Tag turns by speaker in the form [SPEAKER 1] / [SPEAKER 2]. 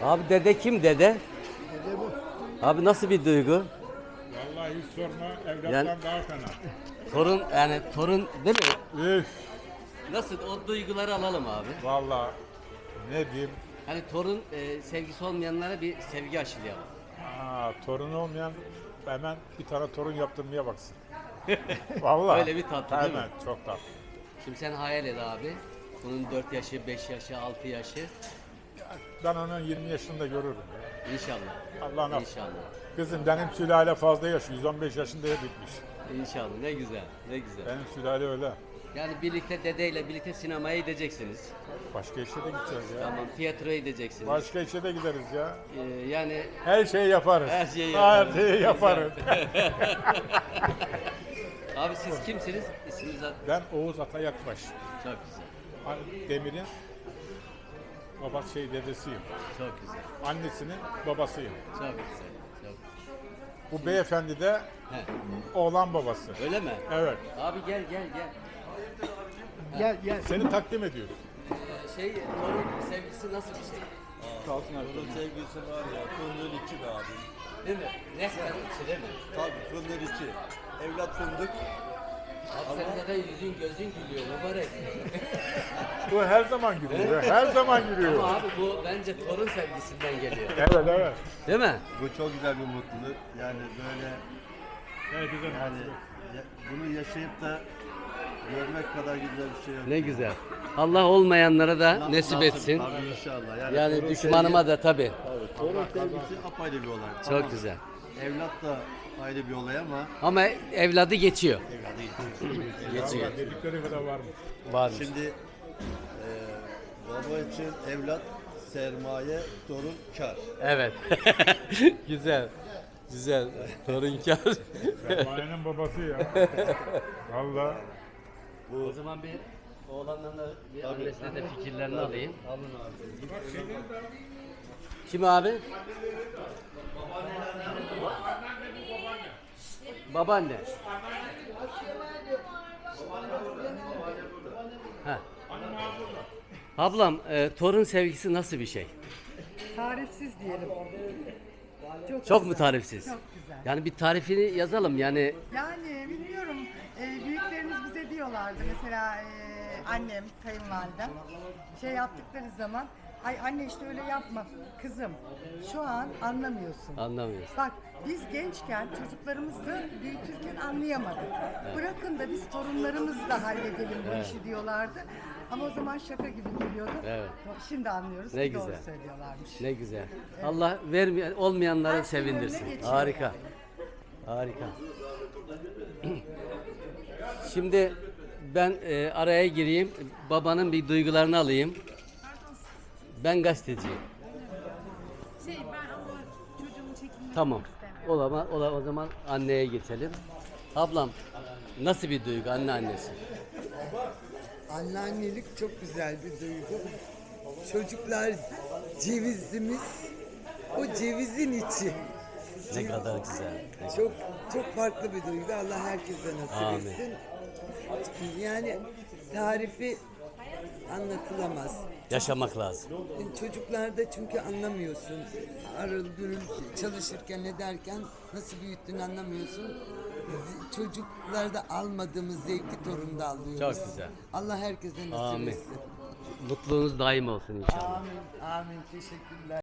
[SPEAKER 1] Abi dede kim dede?
[SPEAKER 2] Dede bu.
[SPEAKER 1] Abi nasıl bir duygu?
[SPEAKER 3] Vallahi hiç sorma, evlattan
[SPEAKER 1] Yani-
[SPEAKER 3] daha fena.
[SPEAKER 1] Torun yani torun değil mi?
[SPEAKER 3] Üf,
[SPEAKER 1] Nasıl o duyguları alalım abi.
[SPEAKER 3] vallahi ne diyeyim,
[SPEAKER 1] Hani torun sevgisi olmayanlara bir sevgi aşılayalım.
[SPEAKER 3] torun olmayan hemen bir tane torun yaptırmaya baksın. Vallahi.
[SPEAKER 1] Öyle bir tatlı değil mi?
[SPEAKER 3] Hemen, çok tatlı.
[SPEAKER 1] Şimdi sen hayal et abi. Bunun 4 yaşı, 5 yaşı, 6 yaşı.
[SPEAKER 3] Ben onun 20 yaşında görürüm. Ya.
[SPEAKER 1] İnşallah.
[SPEAKER 3] Allah nasip.
[SPEAKER 1] İnşallah.
[SPEAKER 3] Kızım benim sülale fazla yaşıyor, 115 yaşında bitmiş.
[SPEAKER 1] İnşallah. Ne güzel. Ne güzel.
[SPEAKER 3] Benim sülale öyle.
[SPEAKER 1] Yani birlikte dedeyle birlikte sinemaya gideceksiniz.
[SPEAKER 3] Başka işe de gideceğiz ya.
[SPEAKER 1] Tamam. Tiyatroya gideceksiniz.
[SPEAKER 3] Başka işe de gideriz ya.
[SPEAKER 1] Yani
[SPEAKER 3] Her şeyi yaparız.
[SPEAKER 1] Her şeyi yaparız.
[SPEAKER 3] Her şeyi yaparız.
[SPEAKER 1] abi siz kimsiniz? İsminiz ad-
[SPEAKER 3] Ben Oğuz Atayakbaş.
[SPEAKER 1] Çok güzel.
[SPEAKER 3] Demir'in babası dedesiyim.
[SPEAKER 1] Çok güzel.
[SPEAKER 3] Annesinin babasıyım.
[SPEAKER 1] Çok güzel. Çok.
[SPEAKER 3] Bu beyefendi de
[SPEAKER 1] He.
[SPEAKER 3] oğlan babası.
[SPEAKER 1] Öyle mi?
[SPEAKER 3] Evet.
[SPEAKER 1] Abi gel gel gel.
[SPEAKER 2] Gel gel.
[SPEAKER 3] Seni takdim ediyoruz.
[SPEAKER 1] Torun sevgisi nasıl bir şey?
[SPEAKER 4] Onun sevgisi var ya, fındığın içi be abi.
[SPEAKER 1] Değil mi? Resmen içi değil mi?
[SPEAKER 4] Tabii fındığın içi. Evlat fındık.
[SPEAKER 1] Abi senin zaten yüzün gözün gülüyor mübarek.
[SPEAKER 3] Bu her zaman gülüyor. Her zaman gülüyor.
[SPEAKER 1] Ama abi bu bence torun sevgisinden geliyor.
[SPEAKER 3] Evet evet.
[SPEAKER 1] Değil mi?
[SPEAKER 4] Bu çok güzel bir mutluluk. Yani böyle
[SPEAKER 3] Evet güzel.
[SPEAKER 4] yani bunu yaşayıp da görmek kadar güzel bir şey yok.
[SPEAKER 1] Ne güzel. Allah olmayanlara da nasip etsin.
[SPEAKER 4] Tabii inşallah.
[SPEAKER 1] Yani
[SPEAKER 4] torun
[SPEAKER 1] düşmanıma da tabii.
[SPEAKER 4] sevgi- torun sevgisi apayrı bir olay.
[SPEAKER 1] Çok
[SPEAKER 4] Ama
[SPEAKER 1] güzel.
[SPEAKER 4] Evlat da ayrı bir olay ama
[SPEAKER 1] Ama evladı geçiyor.
[SPEAKER 4] evladı geçiyor.
[SPEAKER 1] Geçiyor.
[SPEAKER 3] Vallahi dedikleri kadar varmış.
[SPEAKER 1] Varmış.
[SPEAKER 4] Şimdi baba için evlat sermaye, torun kar.
[SPEAKER 1] Evet. Güzel. Güzel. Torunkar.
[SPEAKER 3] Sermayenin babası ya. Vallahi.
[SPEAKER 1] O zaman bir oğlandan da bir annesine de fikirlerini alayım.
[SPEAKER 4] Alın abi.
[SPEAKER 1] Kim abi? Babaanne. Ha. Ablam, torun sevgisi nasıl bir şey?
[SPEAKER 5] Tarifsiz diyelim.
[SPEAKER 1] Çok mu tarifsiz?
[SPEAKER 5] Çok güzel.
[SPEAKER 1] Yani bir tarifini yazalım yani.
[SPEAKER 5] Yani bilmiyorum, büyüklerimiz bize diyorlardı mesela annem, kayınvalidem şey yaptıkları zaman ay anne işte öyle yapma kızım şu an anlamıyorsun.
[SPEAKER 1] Anlamıyorsun.
[SPEAKER 5] Bak biz gençken çocuklarımızı büyütürken anlayamadık. Bırakın da biz torunlarımızla halledelim bu işi diyorlardı. Ama o zaman şaka gibi geliyordu.
[SPEAKER 1] Evet.
[SPEAKER 5] Şimdi anlıyoruz
[SPEAKER 1] Ne
[SPEAKER 5] ki doğru
[SPEAKER 1] güzel.
[SPEAKER 5] söylüyorlarmış.
[SPEAKER 1] Ne güzel. Allah vermeyen olmayanları
[SPEAKER 5] Her şeyin
[SPEAKER 1] sevindirsin.
[SPEAKER 5] önüne geçiyor
[SPEAKER 1] Harika.
[SPEAKER 5] yani.
[SPEAKER 1] Harika. Şimdi ben araya gireyim. Babanın bir duygularını alayım. Ben gazeteciyim.
[SPEAKER 6] Ben ama çocuğumun çekimini
[SPEAKER 1] Tamam.
[SPEAKER 6] istemiyorum.
[SPEAKER 1] O zaman anneye geçelim. Ablam nasıl bir duygu annesi?
[SPEAKER 7] Anneannelik çok güzel bir duygu. Çocuklar cevizimiz, o cevizin içi.
[SPEAKER 1] Ne kadar güzel.
[SPEAKER 7] Çok çok farklı bir duygu. Allah herkese nasip
[SPEAKER 1] Amin.
[SPEAKER 7] etsin. Yani tarifi anlatılamaz.
[SPEAKER 1] Yaşamak lazım.
[SPEAKER 7] Çocuklarda çünkü anlamıyorsun. Arıl gürül çalışırken ederken nasıl büyüttüğünü anlamıyorsun. Çocuklarda almadığımız zevki torunda alıyoruz.
[SPEAKER 1] Çok güzel.
[SPEAKER 7] Allah herkese nasip
[SPEAKER 1] Amin.
[SPEAKER 7] etsin.
[SPEAKER 1] Mutluluğunuz daim olsun inşallah.
[SPEAKER 7] Amin. Amin. Teşekkürler.